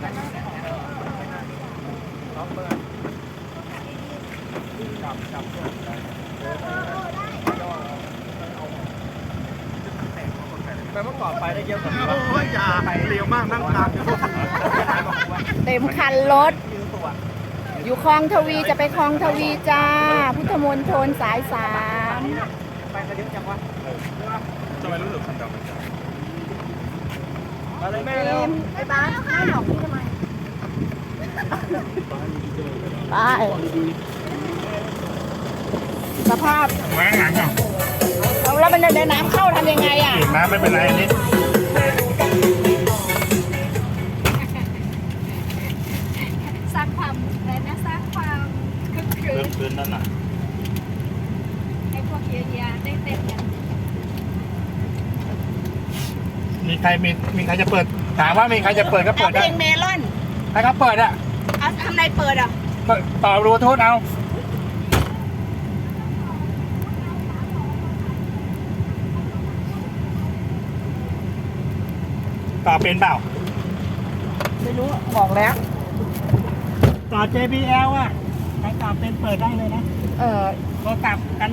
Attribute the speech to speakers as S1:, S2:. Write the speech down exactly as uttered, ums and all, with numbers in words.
S1: ไปเมื่อก่อนไปได้เยอะกว่านี้
S2: โอ้ยอย่าเร็วมากนั่งตามอยู่
S3: เต็มคันรถ อยู่คลองทวีจะไปคลองทวีจ้า พุทธมณฑลสายสาม
S1: ไปกันเยอะจังวะ
S2: ทำไมรู้สึกคันดำเหมือนกัน
S1: อะไรแม่เร็ว
S3: ไอ้บ้านไม่หลอกพี่ทำไมไปสภาพ
S2: แหวงหลังอ่ะ
S3: เอาแล้วมันเดินน้ำเข้าทำยังไงอ่ะ
S2: น้ำไม่เป็นไรอันนี้
S4: สร้างความอะไรนะสร้างความคึกคื
S2: เริ่
S4: น
S2: มคืนนั่นน่ะ
S4: ให้พวกเยียๆได้เต้นกัน
S2: มีใครมีมีใครจะเปิดถามว่ามีใครจะเปิดก็
S3: เอา
S2: เปิด
S3: เพล
S2: ได้
S3: งเมลอน
S2: ให้เขาเปิดอ่ะ
S3: เอาทำไรเปิดอ่ะ
S2: เปิดต่อบลูทูธเอาต่อเป็นเปล่า
S3: ไม่รู้บอกแล้ว
S2: ต่อ เจ บี แอล อ่ะใครต่อเป็นเปิดได้เลยนะ
S3: เออ
S2: โทรศัพท์กัน